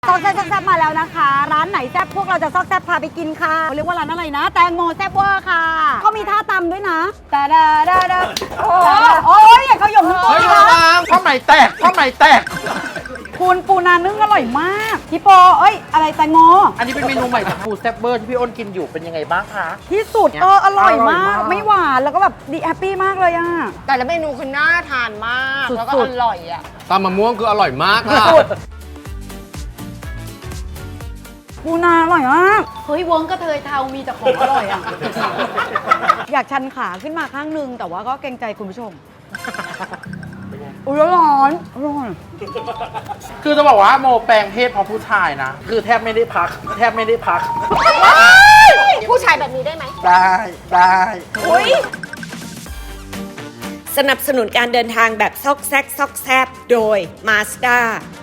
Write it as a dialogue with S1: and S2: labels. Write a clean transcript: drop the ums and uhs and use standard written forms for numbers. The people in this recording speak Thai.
S1: ซอกแซ่บมาแล้วนะคะ ร้านไหนแซ่บพวกเราจะซอกแซ่บพาไปกินค่ะเขาเรียกว่าร้านอะไรนะแตงโมแซ่บเวอร์ค่ะเขามีท่าตำด้วยนะตาดาดาดาโอ้ยอย่าเขาหยงทั้งตัว
S2: เฮ้ย
S1: นะ
S2: ผ้าไหมแตกผ้าไหมแตก
S1: คุณปูนานึ่งอร่อยมากพี่โปอะไรแตงโม
S2: อันนี้เป็นเมนูใหม่ของฟูแซบเบอร์ที่พี่อ้นกินอยู่เป็นยังไงบ้างคะ
S1: ที่สุดอร่อยมากไม่หวานแล้วก็แบบดีแฮปปี้มากเลยอ่ะ
S3: แต่ละเมนูคือน่าทานมาก
S1: สุดๆ
S3: แล้วก็อร่อยอ่ะ
S4: ตำมะม่วงคืออร่อยมากค่ะ
S1: ปูนาอร่อยมากเฮ้ยเวิร์กก็เทยเทามีแต่ของอร่อยอ่ะ อยากชันขาขึ้นมาข้างนึงแต่ว่าก็เกรงใจคุณผู้ชมอุ้ยร้อนร้อน
S2: คือจะบอกว่าโมแปลงเพศเพราะผู้ชายนะ คือแทบไม่ได้พัก แทบไม่ได้พัก
S3: ผู้ชายแบบนี้ได้ไหม
S2: ได้
S1: อุ้ย
S5: สนับสนุนการเดินทางแบบซอกแซกซอกแซบโดย Mazda